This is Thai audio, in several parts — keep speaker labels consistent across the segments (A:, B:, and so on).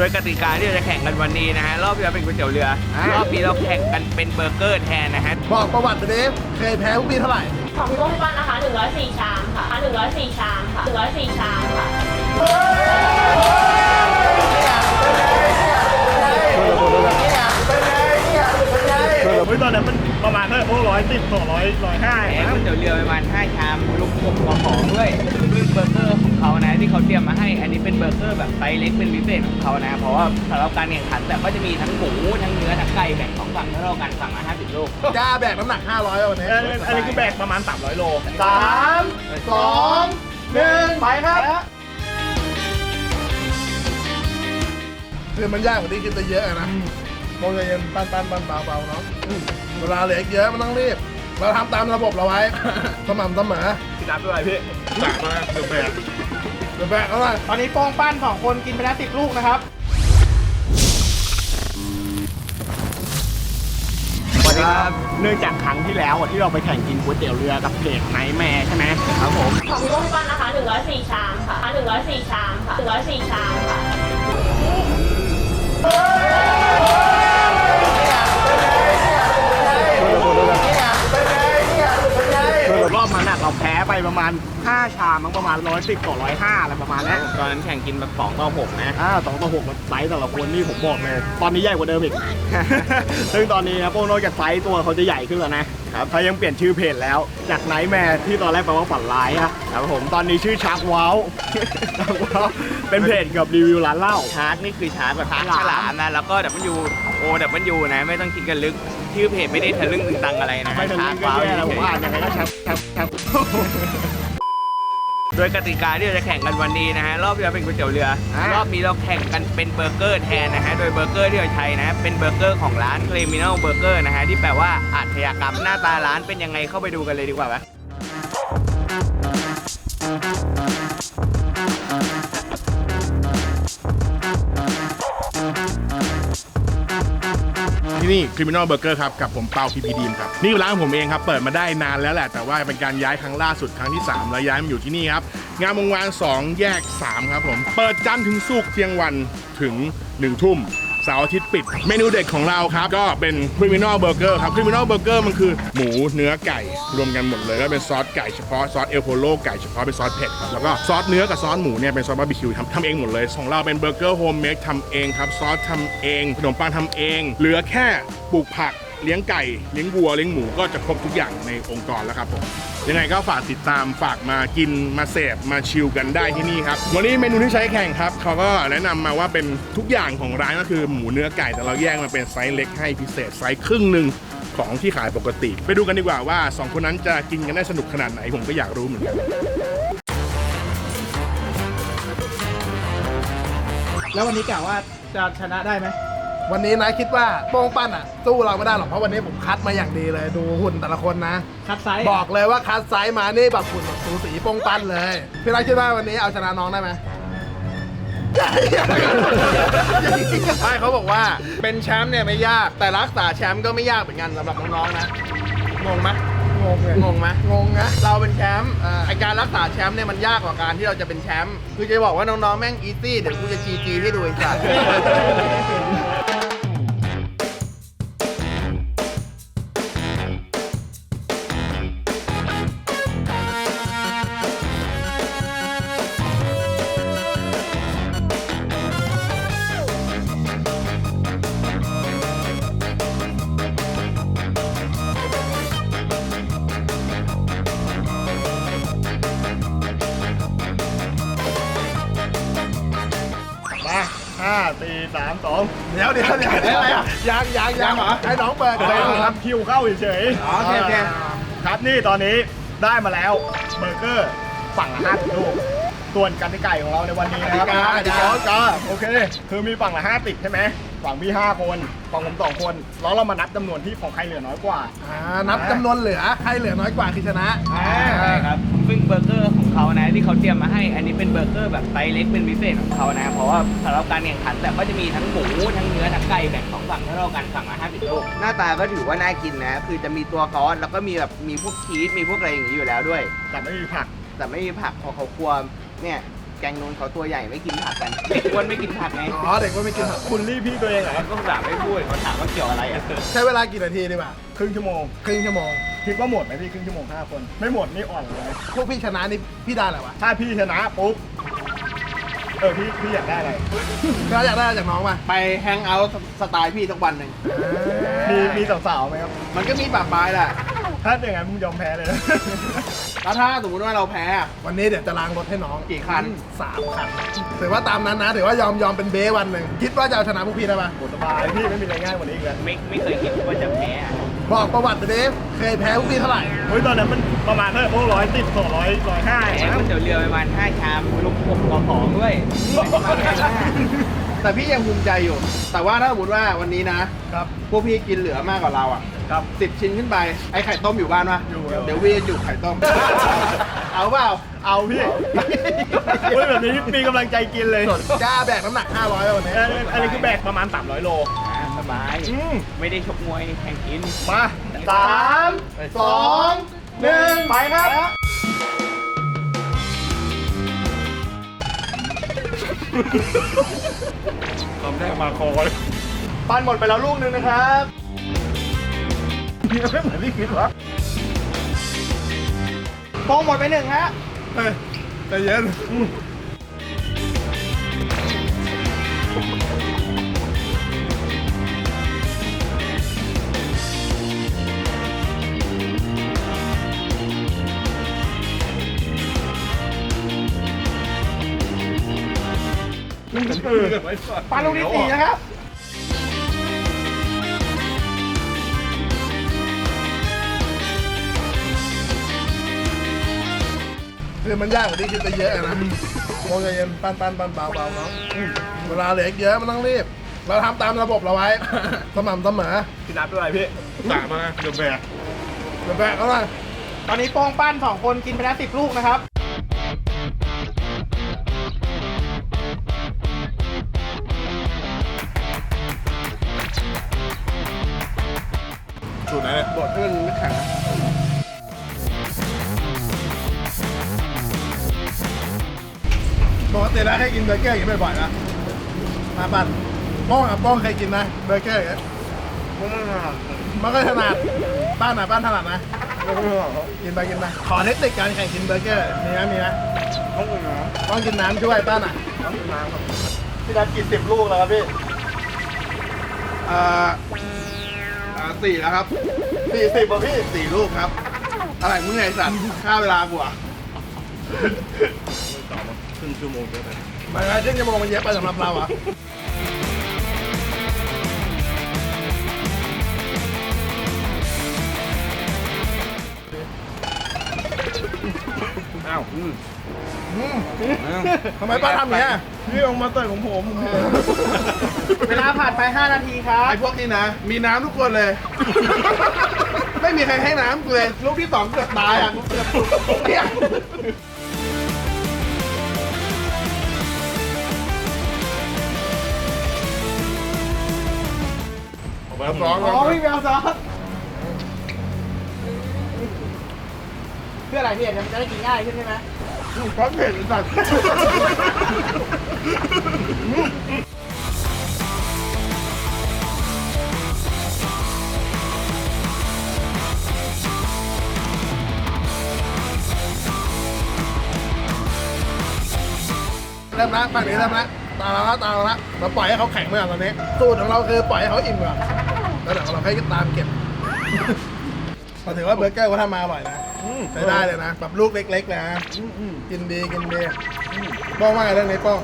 A: ดยกติกาที่เราจะแข่งกันวันนี้นะฮะรอบที่แล้วเป็นก๋วยเตี๋ยวเรือรอบนี้เราแข่งกันเป็นเบอร์เกอร์แทนนะฮะ
B: บอกประวัติไปดิเคยแพ้พวกพี่เท่าไหร่
C: ของพี่ป้นนะคะ104ชามค่ะ104ชามค่ะ104ชามค่ะ
D: ตอนนั้นมันประมาณเท่าไหร่พวก110 200 150
A: แข่งก๋วยเตี๋ยวเรือประมาณ5ชามรวมของด้วยซึ่งเบอร์เกอร์ของเขานะที่เขาเตรียมมาให้อันนี้เป็นเบอร์เกอร์แบบไซส์เล็กเป็นพิเศษของเขานะเพราะว่าสำหรับการแข่งขันแต่ก็จะมีทั้งหมูทั้งเนื้อทั้งไก่แบ่ง2ฝั่งเท่ากันฝั่งละ50 ลูก
B: กล้าแบกน้ำหนัก500วันนี้
D: อันนี้คือแบกประมาณ300 โล
B: 3 2 1ไปครับคือมันยากกว่าที่คิดจะเยอะนะมองใจเย็นปั้นเบาๆเนาะเวลาเหลือเยอะมันต้องรีบเราทำตามระบบเราไว้สม่ำเสมอ
D: พี่นับด้วยพี่แบกมาเดือดแบก
B: เอาไว้
D: ตอนนี้โป้งปั้น2 คนกินไปแล้ว10 ลูกนะครับสวัสดีครับเนื่องจากครั้งที่แล้วที่เราไปแข่งกินก๋วยเตี๋ยวเรือกับเพจไนท์แมร์ใช่ไหมครับผม
C: ของพี่ป้นนะคะ104ชามค่ะ104ชามค่ะ104ชามค่ะ
D: รอบมันเราแพ้ไปประมาณ5ชามมั้งประมาณ110 ต่อ 105อะไรประมาณนี้
A: ตอนนั้นแข่งกินแบบ2 ต่อ 6นะ
D: 2 ต่อ 6มันไซส์แต่ละคนนี่ผมบอกเลยตอนนี้ใหญ่กว่าเดิมอีก ซึ่งตอนนี้นะพวกนอกจากไซส์ตัวเขาจะใหญ่ขึ้นแล้วนะครับเขายังเปลี่ยนชื่อเพจแล้วจากไนท์แมร์ที่ตอนแรกแปลว่าฝันร้ายครับผมตอนนี้ชื่อชาร์กว้าวเป็นเพจกับรีวิวร้านเหล้า
A: ชาร์กนี่คือชาร์กแบบชาร์กฉลามนะแล้วก็WOนะไม่ต้องคิดกันลึกชื่อเพจไม่ได้ทะลึ่งตึงตังอะไรนะ
D: ไม่ทะลึ่งก็แย่แล้วผมอ่านยังไงก็ชับ
A: โดยกติกาที่เราจะแข่งกันวันนี้นะฮะรอบที่แล้วเป็นก๋วยเตี๋ยวเรือรอบนี้เราแข่งกันเป็นเบอร์เกอร์แทนนะฮะโดยเบอร์เกอร์ที่เราใช้นะเป็นเบอร์เกอร์ของร้าน Criminal Burger นะฮะที่แปลว่าอาชญากรรมหน้าตาร้านเป็นยังไงเข้าไปดูกันเลยดีกว่าไหม
E: ที่นี่ Criminal Burger ครับกับผมเปา PP Dream ครับนี่ร้านผมเองครับเปิดมาได้นานแล้วแหละแต่ว่าเป็นการย้ายครั้งล่าสุดครั้งที่3แล้วย้ายมาอยู่ที่นี่ครับงามวงวาน2แยก3ครับผมเปิดจันทร์ถึงศุกร์เที่ยงวันถึง1 ทุ่มเสาร์อาทิตย์ปิดเมนูเด็ดของเราครับก็เป็น Criminal Burger ครับ Criminal Burger มันคือหมูเนื้อไก่รวมกันหมดเลยแล้วเป็นซอสไก่เฉพาะซอสเอลโพโลไก่เฉพาะเป็นซอสเผ็ดครับแล้วก็ซอสเนื้อกับซอสหมูเนี่ยเป็นซอสบาร์บีคิวทำเองหมดเลยของเราเป็นเบอร์เกอร์โฮมเมดทำเองครับซอสทำเองขนมปังทำเองเหลือแค่ปลูกผักเลี้ยงไก่เลี้ยงวัวเลี้ยงหมูก็จะครบทุกอย่างในองค์กรแล้วครับผมยังไงก็ฝากติดตามฝากมากินมาเสพมาชิลกันได้ที่นี่ครับวันนี้เมนูที่ใช้แข่งครับเขาก็แนะนำมาว่าเป็นทุกอย่างของร้านก็คือหมูเนื้อไก่แต่เราแยกมาเป็นไซส์เล็กให้พิเศษไซส์ครึ่งหนึ่งของที่ขายปกติไปดูกันดีกว่าว่า2 คนนั้นจะกินกันได้สนุกขนาดไหนผมก็อยากรู้เหมือนกัน
D: แล้ววันนี้กล่าวว่าจะชนะได้ไหม
B: วันนี้นะคิดว่าโป้งปั้นสู้เราไม่ได้หรอกเพราะวันนี้ผมคัดมาอย่างดีเลยดูหุ่นแต่ละคนนะ
D: คัดไซส์
B: บอกเลยว่าคัดไซส์มานี่แบบหุ่นแบบสูสีโป้งปั้นเลยพี่รักคิดว่าวันนี้เอาชนะน้องได้ไหมไม่เขาบอกว่าเป็นแชมป์เนี่ยไม่ยากแต่รักษาแชมป์ก็ไม่ยากเหมือนกันสำหรับน้องๆนะงงไหมงงเลยงงไหมงงนะเราเป็นแชมป์ไอการรักษาแชมป์เนี่ยมันยากกว่าการที่เราจะเป็นแชมป์คือจะบอกว่าน้องๆแม่งอีซี่เดี๋ยวกูจะจีให้ดูไอ้สัส
D: 5 4 3 2
B: เดี๋ยวอะไรอ่ะยังเหรอให้น้องเปิด
D: ทำคิวเข้าเฉย
B: ๆโอเค
D: ครับนี่ตอนนี้ได้มาแล้วเบอร์เกอร์ฝั่งละ50 ลูกส่วนกันไก่ของเราในวันนี้นะครับก็โอเคคือมีฝั่งละ5 ติดใช่ไหมฝั่งพี่5 คนฝั่งผม2 คนแล้วเรามานับจำนวนที่ของใครเหลือน้อยกว่า
B: นับจำนวนเหลือใครเหลือน้อยกว่าคือชนะ
A: ใช่ครับซึ่งเบอร์เกอร์ของเขานะที่เขาเตรียมมาให้อันนี้เป็นเบอร์เกอร์แบบไซส์เล็กเป็นพิเศษของเขานะเพราะว่าสำหรับการแข่งขันแต่ก็จะมีทั้งหมูทั้งเนื้อทั้งไก่แบ่ง2 ฝั่งเท่ากันฝั่งละ50 ลูกหน้าตาก็ถือว่าน่ากินนะคือจะมีตัวซอสแล้วก็มีแบบมีพวกชีสมีพวกอะไรอย่างนี้อยู่แล้วด้วย
D: แต่ไม่มีผัก
A: พอเขาควรเนี่ยแกงนู้นเขาตัวใหญ่ไม่กินผักกันเด็กอ้วนไม่กินผักไง
B: อ๋อเด็กว่าไม่กินผัก
D: คุณรีบพี่ตัวเองเหรอ
A: ก็ถามไม่พูดเขาถามว่าเกี่ยวอะไรอ่ะ
B: ใช้เวลากี่นาทีดีกว่า
D: ครึ่งชั่วโมง
B: ครึ่งชั่วโมง
D: คิดว่าหมดไหมพี่ครึ่งชั่วโมง5 คน ไม่หมดนี่อ่อนเลย
B: พวกพี่ชนะนี่พี่ได้อะไรวะ
D: ถ้าพี่ชนะปุ๊บพี่อยากได้อะไร
B: เราอยากได้อะไรจากน้องป่ะไปแฮงเอาท์สไตล์พี่สักวันหนึ่ง
D: มีสาวๆไหมครับ
B: มันก็มีปากปลายแหละ
D: ถ้าอย่างนั้นมึงยอมแพ้เลยนะ
B: แล้วถ้าสมมติว่าเราแพ้วันนี้เดี๋ยวจะล้างรถให้น้องกี่คัน3 คันถือว่าตามนั้นนะถือว่ายอมเป็นเบวันหนึ่งคิดว่าจะเอาชนะพวกพี่ได้ป่ะ
D: โหสบายพี่ไม่มีอะไรง่ายกว่านี้อีกแล้ว
A: ไม่เคยคิดว่าจะแพ้อะ
B: บอกประวัติไปดิเคยแพ้พวกพี่เท่าไหร่
D: เฮ้ยตอนนั้นมันประมาณเท่าไหร่พวก110 200 150
A: แพ้ก๋วยเตี๋ยวเรือประมาณ5 ชามลูกผมกอของด้วย
B: แต่พี่ยังภูมิใจอยู่ แต่ว่าถ้าสมมติว่าวันนี้นะครับ พวกพี่กินเหลือมากกว่าเราอ่ะ
D: ครับ
B: 10 ชิ้นขึ้นไปไอ้ไข่ต้มอยู่บ้านปะ
D: อยู่ครับ
B: เดี๋ยววีจะจุกไข่ต้ม เอาเปล่า
D: เอาพี่เฮ้ยแบบนี้มีกำลังใจกินเลย
B: กล้าแบกน้ำหนัก500ไปวันนี้
D: อันนี้คือแบกประมาณ300 โล
A: สบาย ไม่ได้ชกมวยแข่งกิน
D: มา3 2 1 ไปครับทำได้มาคอเลยปั้นหมดไปแล้วลูกนึงนะครับไม่เหมือนที่คิดวะโป้งหมดไป1 ฮะ
B: เฮ้ยใจเย็น
D: ปลาลูกที่4นะครับ
B: คือมันยากกว่าที่คิดไปเยอะอะนะโมงใจเย็นปั้นเบาๆเนาะเวลาเหลืออีกเยอะมันต้องรีบ เราทำตามระบบเราไว้ สม่ำเสมอ
D: พี่นับด้วยพี่
E: ตามาเดี๋ยวแบก
B: เดี๋ยวแบกเขาเลย
D: ตอนนี้โป้งปั้น2 คนกินไปแล้ว10 ลูกนะครับ
B: สูตรไหนเนี่ยบดให้มันไม่แข็งนะปกติแล้วให้กินเบอร์เกอร์อย่างนี้บ่อยๆนะมาปั่นป้องกับป้องเคยกินนะเบอร์เกอร์อย่างเงี้ยมันก็ถนัดป้านถนัดนะกินไปขอเทคนิคการแข่งกินเบอร์เกอร์มีไหมต้องกินน้ำช่วยป้านอ่ะ
D: พี่นับกิน10 ลูกแล้วครับพี่
B: 4แล้วครับ
D: 40ป่ะพี่
B: 4 ลูกครับ อะไรมึงไงสัตว์ฆ่าเวลากูอ่ะ
E: ครึ่งชั่วโมงเยอะไป
B: ไม่ใช่ครึ่งชั่วโมงมันเยอะไปสำหรับเราอ่ะ
E: อ้าว
B: ทำไมป้าทำอย่างนี้ย
D: พี่ลงมาเตยของผม เวลาผ่านไป 5 นาทีครับ
B: ไอ้พวกนี้นะ มีน้ำทุกคนเลย ไม่มีใครให้น้ำกูเลย ลูกที่ 2เกือบตายอ่ะกูเกือบเนี่ย
E: ร้อง
D: อ๋อพี่แมวซอสเพื่ออะไรพี่มันจะได้กินง่ายขึ้นใช่ไหม
B: เพราะเผ็ดสัตว์ เริ่มละฝั่งนี้เริ่มละตาเราละเราปล่อยให้เขาแข็งไปก่อนตอนนี้สูตรของเราคือปล่อยให้เขาอิ่มก่อนแล้วเดี๋ยวเราค่อยตามเก็บก็ถือว่าเบอร์เกอร์เขาทำมาอร่อยนะใช้ได้เลยนะแบบลูกเล็กๆนะกินดีป้องว่าไงเรื่องนี้ป้อง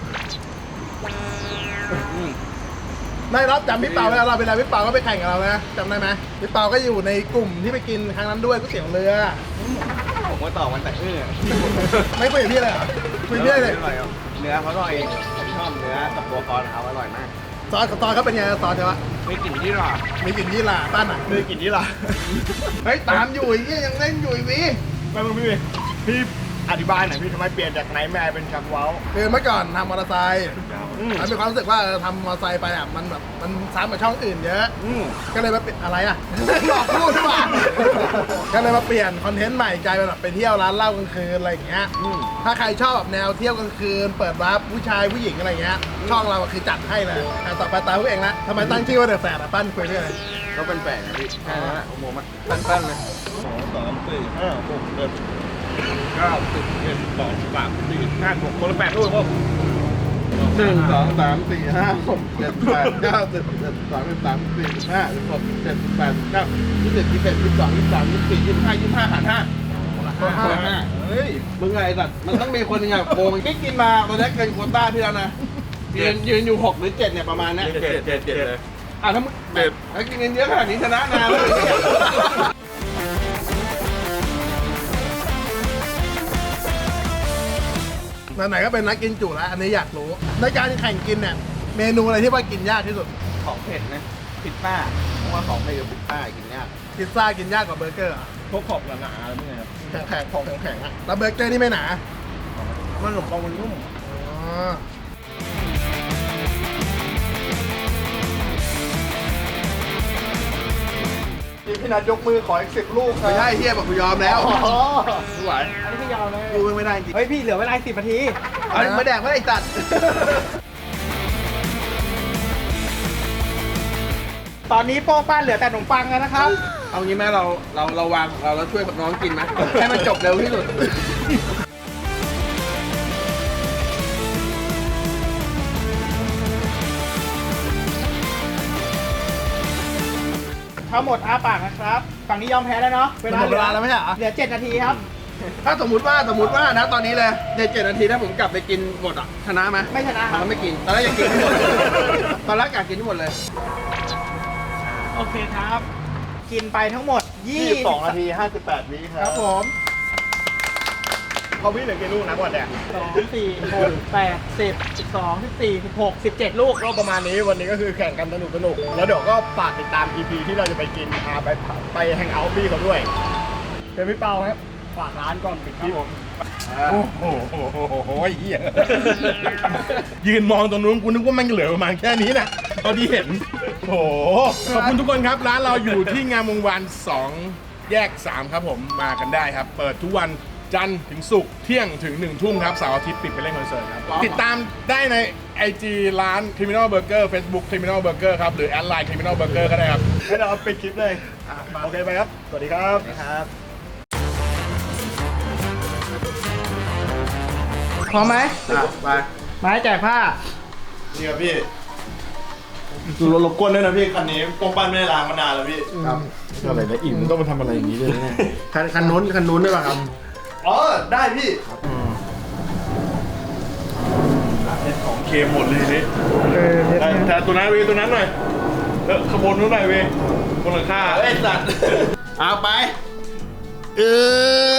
B: ได้รับจำพี่เปาเวลาเราไปแล้วพี่เปาก็ไปแข่งกับเรานะจำได้ไหมพี่เปาก็อยู่ในกลุ่มที่ไปกินครั้งนั้นด้วยก๋วยเตี๋ยวเรือ
A: ผมก็ตอบมันแต่อื้อ
B: ไม่คุยกับพี่เลยเหรอคุยกับพี่เลย
A: อร่อยอ่ะเนื้อเขาอร่อยผมชอบเนื้อกับตัวคอนเขาอร่อยมาก
B: ซอสกับตอนเขาเป็นไงซอสใช่ปะ
A: ไม่กลิ่นที่หรอ
B: มีกลิ่นยี่หร่าป้านอ่ะ
D: มือกินนี่ล่ะ
B: เฮ้ยตามอยู่อีกเนี่ยยังเล่นอยู่อีกวิ
D: ไม่มึงพี่อธิบายหน่อยพี่ทำไมเปลี่ยนจากไนท์แมร์เป็นชักเว้า
B: คือเมื่อก่อนทำมอเตอร์ไซค์มันมีความรู้สึกว่าทำมอเตอร์ไซค์ไปอ่ะมันแบบมันซ้ำกับช่องอื่นเยอะก็เลยมาเปลี่ยนอะไรอ่ะ หลอกพูดดีกว่าก็เลยมาเปลี่ยนคอนเทนต์ใหม่กลายเป็นแบบไปเที่ยวร้านเหล้ากลางคืนอะไรอย่างเงี้ยถ้าใครชอบแบบแนวเที่ยวกลางคืนเปิดวาร์ปผู้ชายผู้หญิงอะไรเงี้ยช่องเราคือจัดให้เลยต่อไปตามพวกเองละทำไมตั้งชื่อว่าเดอะแฟร์อ่ะปั้นคุยด้วยอะไร
A: ก็เป็นแปลกนะพี่แค่นั้นแหละผมมันสั้นๆเลย
E: คนละ8 ลูกพวก
B: 1 2 3 4 5 6 7 8 9 10 11 12 13 14 15 16 17 18 19 20 21 22 23 24 25 25หาร5เฮ้ยมึงไงสัตว์มันต้องมีคนหนึงอ่ะโกงพี่กินมาตอนนี้เกินโควต้าพี่แล้วนะยืนอยู่6หรือ7เนี่ยประมาณนี้
E: 7เลย
B: อ่ะถ้ามึงถ้ากินเงินเยอะขนาดนี้ชนะนานแล้วไหนๆก็เป็นนักกินจุแล้วอันนี้อยากรู้ในการแข่งกินเนี่ยเมนูอะไรที่ว่ากินยากที่สุด
A: ของเผ็ดนะพิซซ่าเพราะว่าของเผ็ดกับพิซซ่ากินยาก
B: พิซซ่ากินยากกว่าเบอร์เกอร์เหรอ
D: พวกขอบหนาๆอะไรพวกนี้ครับ
B: แข็งๆของแข็งๆอ่ะแล้วเบอร์เกอร์นี่ไม่หนา
D: มันขนมปังมันนุ่ม
B: อ๋อพี่นัทยกมือขออีก10 ลูกครับไม่ใช่เฮียบอกกูยอมแล้วไม่ไหว
D: อันนี้ไม่ยาวเลย
B: กูไม่ได้จริง
D: เฮ้ยพี่เหลือเวลา10 นาที
B: เอามาแดกไม่ได้จัด
D: ตอนนี้โป้งป้านเหลือแต่ขนมปังแล้วนะครับ
B: เอางี้แม่เราวางของเราแล้วช่วยน้องกินไหมให้มันจบเร็วที่สุด
D: ทั้งหมดอ้าปากนะครับ ฝั่งนี้ยอมแพ้แล้วเนาะ
B: หมดเวลาแล้วไม่ใช่เหรอ
D: เหลือ7 นาทีครับ
B: ถ้าสมมติว่านะตอนนี้เลยใน7 นาทีถ้าผมกลับไปกินหมดอ่ะชนะไหม
D: ไม่ชนะค
B: ตอ
D: รั
B: น
D: บ
B: นั้นไม่กินตอนแรกอยากกินให้หมดตอนแรกอยากกินให้หมดเลย
D: โอเคครับ กินไปทั้งหมด
B: 22 นาที 58 วิค
D: ค
B: รั
D: รั
B: บบ
D: ผม
B: เขาวิ่งเหลือกี่ลูกนะก่อนแดก
D: 2 4 6 8 10 12 14 16 17 ลูกก็ประมาณนี้วันนี้ก็คือแข่งกันสนุกแล้วเดี๋ยวก็ฝากติดตาม EP ที่เราจะไปกินไปแฮงเอาท์พี่เขาด้วยเป็นพี่เปาครับฝากร้านก่อนปิดคลิปผม
E: โอ้โหเหี้ยยืนมองตรงนู้นกูนึกว่ามันเหลือประมาณแค่นี้นะตอนที่เห็นโอ้โหขอบคุณทุกคนครับ ร้านเราอยู่ที่งามวงวาน2 แยก 3 ครับผมมากันได้ครับ เปิดทุกวันจันทร์ถึงศุกร์เที่ยงถึง 1 ทุ่มครับเสาร์อาทิตย์ปิดไปเล่นคอนเสิร์ตครับ ติดตามได้ใน IG ร้าน Criminal Burger Facebook Criminal Burger ครับ หรือแอดไลน์ Criminal Burger ก็ได้ครับ
D: ให้เราปิดคลิปเลยโอเคไปครับ สวัสดีครับ พร้อมไหม
B: ไป
D: ไม้แจกผ้า
B: นี่ครับพี่
D: รบกวนด้วยนะพี่ คันนี้โป้งป้านไม่ได้ล้างมานานแล้วพี่
B: ครับ
E: อะไรนะอิ่มต้องมาทำอะไรอย่างนี้เลยนะ
B: คันนู้นได้ป่ะครับอ๋อได้พี่
E: ของเค็มหมดเลยนี่แต่ตัวนั้นเวตัวนั้นหน่อยขบวนนู้นหน่อยเวบนหลังคา
B: เอ้ยสัตว์เอาไป